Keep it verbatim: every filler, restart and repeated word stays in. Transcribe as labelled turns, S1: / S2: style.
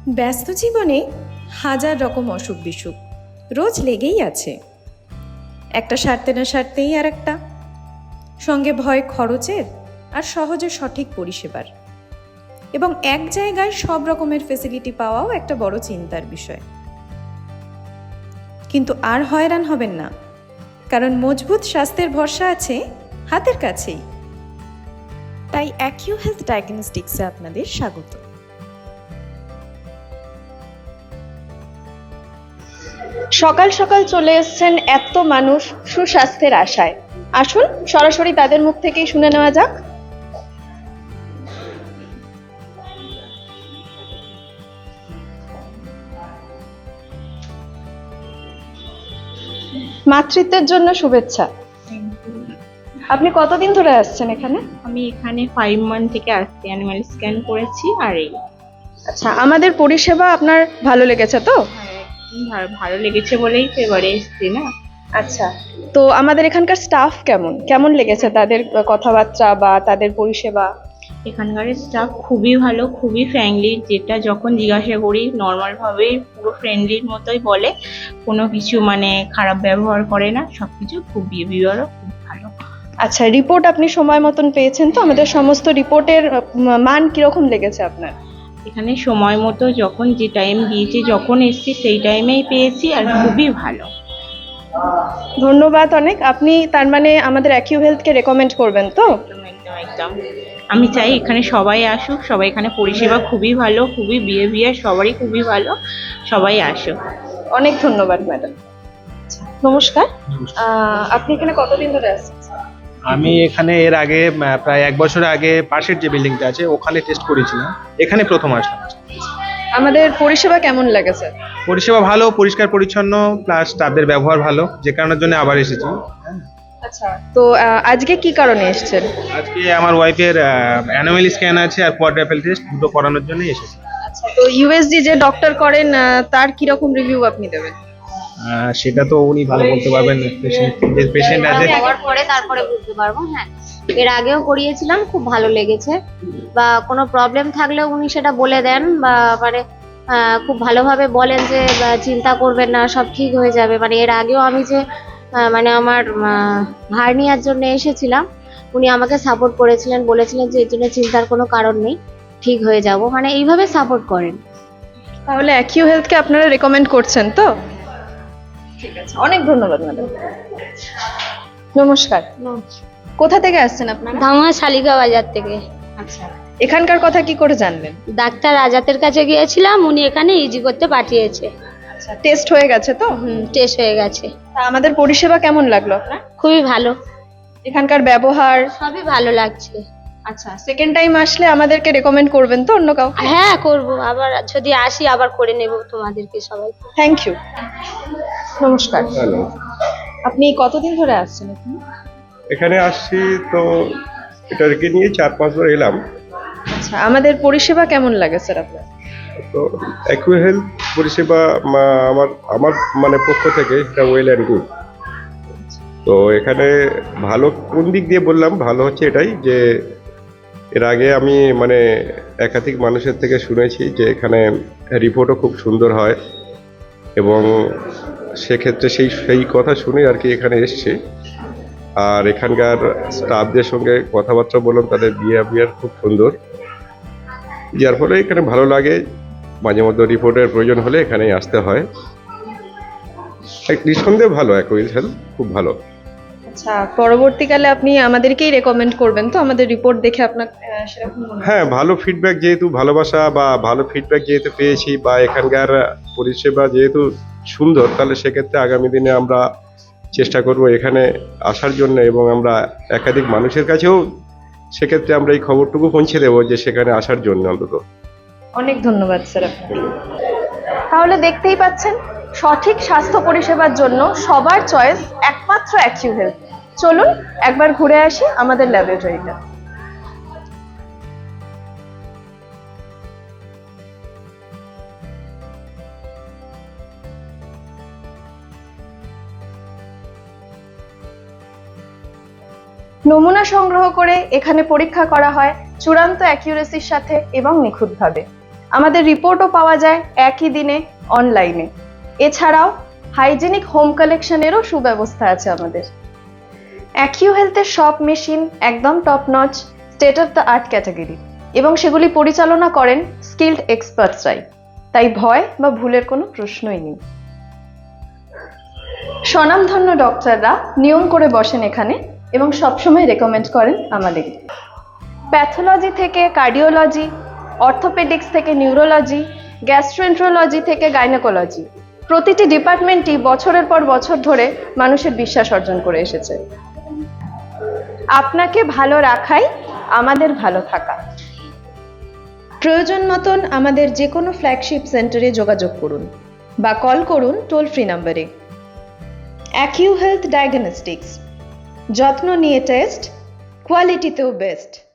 S1: ব্যস্ত জীবনে হাজার রকম অসুখ বিসুখ রোজ লেগেই আছে, একটা সারতে না সারতেই আর একটা, সঙ্গে ভয় খরচের আর সহজে সঠিক পরিষেবার, এবং এক জায়গায় সব রকমের ফেসিলিটি পাওয়াও একটা বড় চিন্তার বিষয়। কিন্তু আর হয়রান হবেন না, কারণ মজবুত স্বাস্থ্যের ভরসা আছে হাতের কাছেই। তাই অ্যাকিউ হেলথ ডায়াগনস্টিক্সে আপনাদের স্বাগত। সকাল সকাল চলে এসেছেন এত মানুষ সুস্বাস্থ্যের আশায়। আসুন সরাসরি তাদের মুখ থেকেই শুনে নেওয়া যাক। মাতৃত্বের জন্য শুভেচ্ছা। আপনি কতদিন ধরে আসছেন এখানে?
S2: আমি এখানে ফাইভ মান্থ থেকে আসছি, অ্যানিমাল স্ক্যান করেছি আর এই।
S1: আচ্ছা, আমাদের পরিষেবা আপনার ভালো লেগেছে তো?
S2: হ্যাঁ, ভালো লেগেছে বলেই তো এবারে এসছি না।
S1: আচ্ছা, তো আমাদের এখানকার স্টাফ কেমন কেমন লেগেছে? তাদের কথাবার্তা বা তাদের পরিষেবা?
S2: এখানকার স্টাফ খুবই ভালো, খুবই ফ্র্যাঙ্কলি, যেটা যখন জিজ্ঞাসা করি নর্মাল ভাবেই পুরো ফ্রেন্ডলির মতোই বলে, কোনো কিছু মানে খারাপ ব্যবহার করে না, সবকিছু খুব বিহেভিয়ারও খুব ভালো।
S1: আচ্ছা, রিপোর্ট আপনি সময় মতন পেয়েছেন তো? আমাদের সমস্ত রিপোর্টের মান কিরকম লেগেছে আপনার?
S2: এখানে সময় মতো যখন যে টাইম দিয়েছে, যখন এসছি সেই টাইমেই পেয়েছি আর খুবই ভালো।
S1: ধন্যবাদ অনেক। আপনি তার মানে আমাদের অ্যাকিউ হেলথকে রেকমেন্ড করবেন তো?
S2: একদম একদম একদম আমি চাই এখানে সবাই আসুক, সবাই এখানে পরিষেবা খুবই ভালো, খুবই বিহেভিয়ার সবারই খুবই ভালো, সবাই আসুক।
S1: অনেক ধন্যবাদ ম্যাডাম। নমস্কার, আহ, আপনি এখানে কতদিন ধরে আসছেন?
S3: আমি এখানে এর আগে আহ, প্রায় এক বছর আগে পাশের যে বিল্ডিংটা আছে ওখানে টেস্ট করেছিলাম, এখানে প্রথম আসলাম।
S1: আমাদের পরিষেবা কেমন লেগেছে?
S3: পরিষেবা ভালো, পরিষ্কার পরিচ্ছন্ন, প্লাস স্টাফদের ব্যবহার ভালো, যে কারণের জন্য আবার এসেছি।
S1: আচ্ছা, তো আহ, আজকে কি কারণে এসেছেন?
S3: আজকে আমার ওয়াইফের অ্যানুয়াল স্ক্যান আছে আর কোয়াড্রাপেল টেস্ট দুটো করানোর জন্য এসেছি।
S1: আচ্ছা, তো ইউএসজি যে ডক্টর করেন আহ, তার কি রকম রিভিউ আপনি দেবেন?
S3: আহ, সেটা তো উনি ভালো বলতে পারবেন, পেশেন্ট যে পেশেন্ট আছে।
S4: হওয়ার পরে তারপরে বুঝতে পারবো। হ্যাঁ, এর আগেও করিয়েছিলাম, খুব ভালো লেগেছে। বা কোনো প্রবলেম থাকলেও উনি সেটা বলে দেন, বা মানে আহ, খুব ভালোভাবে বলেন যে বা, চিন্তা করবেন না, সব ঠিক হয়ে যাবে। মানে এর আগেও আমি যে আহ, মানে আমার হার্নিয়ার জন্য এসেছিলাম, উনি আমাকে সাপোর্ট করেছিলেন, বলেছিলেন যে এর জন্য চিন্তার কোনো কারণ নেই, ঠিক হয়ে যাব। মানে এইভাবে সাপোর্ট করেন।
S1: তাহলে অ্যাকিউ হেলথকে আপনারা রেকমেন্ড করছেন তো? ঠিক আছে, অনেক ধন্যবাদ ম্যাডাম। নমস্কার, কোথা থেকে আসছেন আপনারা?
S4: ধামা শালিকা বাজার থেকে।
S1: আচ্ছা, এখানকার কথা কি করে জানলেন?
S4: ডাক্তার আজাতের কাছে গিয়েছিলাম, উনি এখানে ইজি করতে পাঠিয়েছে।
S1: আচ্ছা, টেস্ট হয়ে গেছে তো?
S4: হুম, টেস্ট হয়ে গেছে।
S1: তা আমাদের পরিষেবা কেমন লাগলো আপনার?
S4: খুবই ভালো,
S1: এখানকার ব্যবহার?
S4: সবই ভালো লাগছে।
S1: আচ্ছা, সেকেন্ড টাইম আসলে আমাদেরকে রেকমেন্ড করবেন তো অন্য কাউকে?
S4: হ্যাঁ, করব, আবার যদি আসি আবার করে নেব তোমাদেরকে সবাই।
S1: Thank you. নমস্কার,
S5: হ্যালো,
S1: আপনি কতদিন ধরে আসছেন এখানে?
S5: এখানে আসছি তো এটাকে নিয়ে চার পাঁচ বার এলাম।
S1: আচ্ছা, আমাদের পরিষেবা কেমন লাগে স্যার আপনার?
S5: তো অ্যাকিউ হেলথ পরিষেবা মা- আমার আমার মানে পক্ষ থেকে এটা ওয়েল অ্যান্ড গুড। তো এখানে ভালো কোন দিক দিয়ে বললাম ভালো হচ্ছে এটাই যে এর আগে আমি মানে একাধিক মানুষের থেকে শুনেছি যে এখানে রিপোর্টও খুব সুন্দর হয়, এবং সেক্ষেত্রে সেই সেই কথা শুনে আর কি এখানে এসছি। আর এখানকার স্টাফদের সঙ্গে কথাবার্তা বললাম, তাদের বিহেভিয়ার খুব সুন্দর, যার ফলে এখানে ভালো লাগে। মাঝে মধ্যে রিপোর্টের প্রয়োজন হলে এখানেই আসতে হয়। এক নিঃসন্দেহে ভালো, অ্যাকিউ হেলথ খুব ভালো।
S1: আচ্ছা, পরবর্তীকালে আপনি আমাদেরকেই রেকমেন্ড করবেন তো আমাদের রিপোর্ট দেখে আপনার আহ, সেরকম মনে হয়?
S5: হ্যাঁ, ভালো ফিডব্যাক যেহেতু ভালোবাসা বা ভালো ফিডব্যাক যেহেতু পেয়েছি, বা এখানকার পরিষেবা যেহেতু সুন্দর, তাহলে সেক্ষেত্রে আগামী দিনে আমরা চেষ্টা করব এখানে আসার জন্য, এবং আমরা একাধিক মানুষের কাছেও সেক্ষেত্রে আমরা এই খবরটুকু পৌঁছে দেবো যে সেখানে আসার জন্য অন্তত।
S1: অনেক ধন্যবাদ স্যার আপনাকে। তাহলে দেখতেই পাচ্ছেন, সঠিক স্বাস্থ্য পরিষেবার জন্য সবার চয়েস একমাত্র অ্যাকিউ হেলথ। চলুন একবার ঘুরে আসি আমাদের ল্যাবরেটরিটা। নমুনা সংগ্রহ করে এখানে পরীক্ষা করা হয় চূড়ান্ত অ্যাকিউরেসির সাথে এবং নিখুঁতভাবে।
S6: আমাদের রিপোর্টও পাওয়া যায় একই দিনে অনলাইনে। এছাড়াও হাইজেনিক হোম কালেকশনেরও সুব্যবস্থা আছে আমাদের। অ্যাকিউ হেলথের সব মেশিন একদম top notch, state of the art category, এবং সেগুলি পরিচালনা করেন স্কিল্ড এক্সপার্টসরাই। তাই ভয় বা ভুলের কোনো প্রশ্নই নেই। স্বনামধন্য ডক্টররা নিয়ম করে বসেন এখানে এবং সবসময় রেকমেন্ড করেন আমাদের। প্যাথোলজি থেকে কার্ডিওলজি, অর্থোপেডিক্স থেকে নিউরোলজি, গ্যাস্ট্রোএন্ট্রোলজি থেকে গাইনোকোলজি, প্রতিটি ডিপার্টমেন্টই বছরের পর বছর ধরে মানুষের বিশ্বাস অর্জন করে এসেছে। আপনাকে ভালো রাখাই আমাদের ভালো থাকা।
S1: প্রয়োজন মতন আমাদের যে কোনো ফ্ল্যাগশিপ সেন্টারে যোগাযোগ করুন বা কল করুন টোল ফ্রি নম্বরে। অ্যাকিউ হেলথ ডায়াগনস্টিক্স, যত্ন নিয়ে টেস্ট, কোয়ালিটিতেও বেস্ট।